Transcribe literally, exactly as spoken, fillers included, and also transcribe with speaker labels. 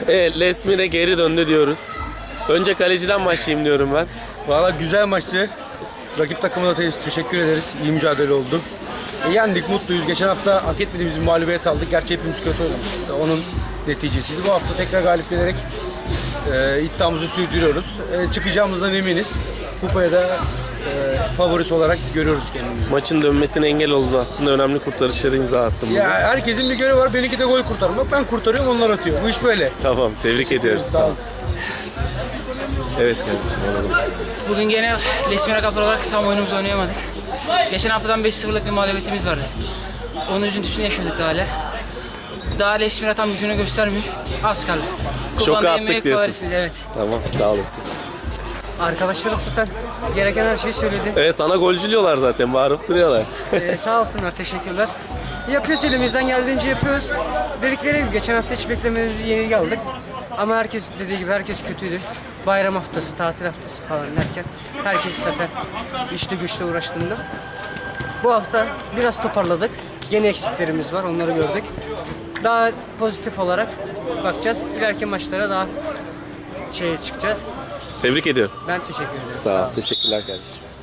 Speaker 1: Evet, Lesmire geri döndü diyoruz. Önce kaleciden başlayayım diyorum ben.
Speaker 2: Valla güzel maçtı. Rakip takımına da teşekkür ederiz. İyi mücadele oldu. E, yendik, mutluyuz. Geçen hafta hak etmediğimiz bir mağlubiyet aldık. Gerçi hepimiz kötü oynamıştık. Onun neticesiydi. Bu hafta tekrar galip gelerek e, iddiamızı sürdürüyoruz. E, çıkacağımızdan eminiz. Kupaya da e, favorisi olarak görüyoruz kendimizi.
Speaker 1: Maçın dönmesine engel oldun aslında. Önemli kurtarışları imza attım.
Speaker 2: Ya herkesin bir görevi var. Benimki de gol kurtarmak. Ben kurtarıyorum, onlar atıyor. Bu iş böyle.
Speaker 1: Tamam, tebrik ediyoruz.
Speaker 2: Sağ olun.
Speaker 1: Evet kardeşim, alalım.
Speaker 3: Bugün gene Lesmire Kapır olarak tam oyunumuzu oynayamadık. Geçen haftadan beş sıfırlık bir mağlubiyetimiz vardı. Onun üzüntüsünü yaşadık daha hala. Daha Lesmire tam gücünü göstermiyor. Az kaldı.
Speaker 1: Şoka
Speaker 3: Kupanda
Speaker 1: attık
Speaker 3: yemeği
Speaker 1: diyorsun.
Speaker 3: kovarız, evet.
Speaker 1: Tamam, sağ olasın.
Speaker 4: Arkadaşlarım zaten gereken her şeyi söyledi.
Speaker 1: Evet, sana golcülüyorlar zaten, bağırıp duruyorlar.
Speaker 4: Ee, sağ olsunlar, teşekkürler. Yapıyoruz, elimizden geldiğince yapıyoruz. Dedikleri gibi geçen hafta hiç beklemediğimiz bir yenilgi aldık. Ama herkes dediği gibi herkes kötüydü. Bayram haftası, tatil haftası falan derken herkes zaten işte güçle uğraştığında. Bu hafta biraz toparladık. Gene eksiklerimiz var, onları gördük. Daha pozitif olarak bakacağız. İleriki maçlara daha şeye çıkacağız.
Speaker 1: Tebrik ediyorum.
Speaker 4: Ben teşekkür ederim.
Speaker 1: Sağ ol, teşekkürler kardeşim.